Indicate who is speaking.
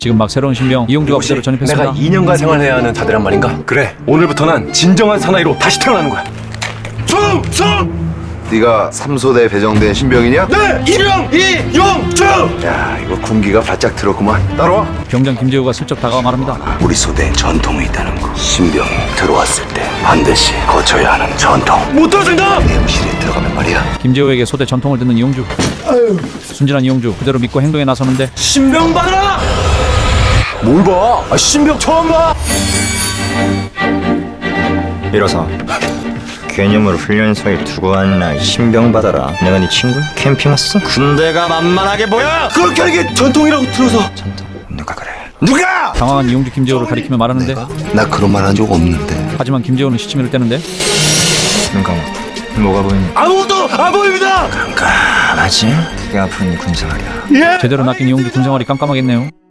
Speaker 1: 지금 막 새로운 신병 이용주가
Speaker 2: 혹시
Speaker 1: 부대로 전입했습니다.
Speaker 2: 내가 2년간 생활해야 하는 자들란 말인가? 그래, 오늘부터 난 진정한 사나이로 다시 태어나는 거야. 충성!
Speaker 3: 네가 3소대 배정된 신병이냐?
Speaker 2: 네! 이병 이용주!
Speaker 3: 야, 이거 군기가 바짝 들었구만. 따라와.
Speaker 1: 병장 김재우가 슬쩍 다가와 말합니다.
Speaker 3: 우리 소대엔 전통이 있다는 거. 신병이 들어왔을 때 반드시 거쳐야 하는 전통.
Speaker 2: 못 들어준다!
Speaker 3: 내무실에 들어가면 말이야.
Speaker 1: 김재우에게 소대 전통을 듣는 이용주. 순진한 이용주 그대로 믿고 행동에 나서는데
Speaker 2: 신병 받아라! 뭘 봐? 아, 신병 처음 봐!
Speaker 4: 일어서. 개념으로 훈련소에 두고 왔나. 신병 받아라. 내가 네 친구? 캠핑 왔어? 군대가 만만하게 보여?
Speaker 2: 그렇게 하는 게 전통이라고 들어서.
Speaker 3: 누가 그래?
Speaker 2: 누가?
Speaker 1: 당황한 이용주 김재우를 가리키며 말하는데
Speaker 3: 나 그런 말 한 적 없는데.
Speaker 1: 하지만 김재우는 시치미를 떼는데
Speaker 4: 눈 감아. 뭐가 보이니?
Speaker 2: 아무것도 안 보입니다!
Speaker 4: 깜깜하지? 그게 아픈 군생활이야.
Speaker 1: 제대로 낚인 이용주 군생활이 깜깜하겠네요.